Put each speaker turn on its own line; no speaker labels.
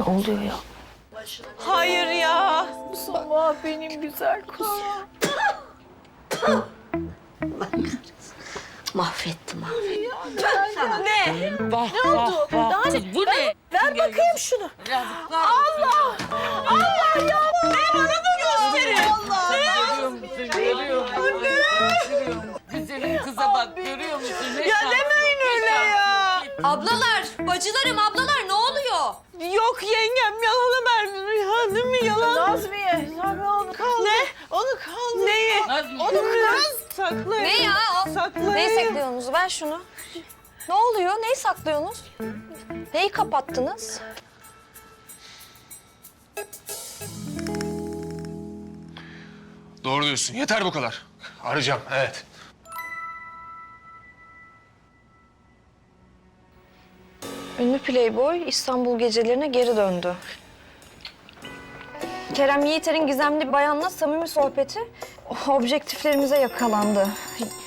Ne oluyor ya?
Hayır ya.
Sabah benim güzel kuzum.
Mahvetti.
Ne?
Vah vah vah. Kız bu ne?
Ver bakayım şunu. Allah! Allah ya! Ne bana da gösterin. Allah!
Görüyor musun? Görüyor musun? Güzelim kıza bak. Görüyor musun? Ne
Ya
şans.
demeyin öyle ya.
Ablalar, bacılarım, ablalar ne oluyor?
Yok yengem yalanı verdin ya değil mi yalan?
Nazmiye, Nazmiye onu kaldır.
Ne? Onu kaldır. Neyi?
Nazmiye.
Onu kız. Saklayın.
Ne ya o?
Saklayın.
Neyi saklıyorsunuz? Ver şunu. Ne oluyor? Neyi saklıyorsunuz? Neyi kapattınız?
Doğru diyorsun. Yeter bu kadar. Arayacağım, evet.
Ünlü playboy İstanbul gecelerine geri döndü. Kerem Yiğiter'in gizemli bayanla samimi sohbeti objektiflerimize yakalandı.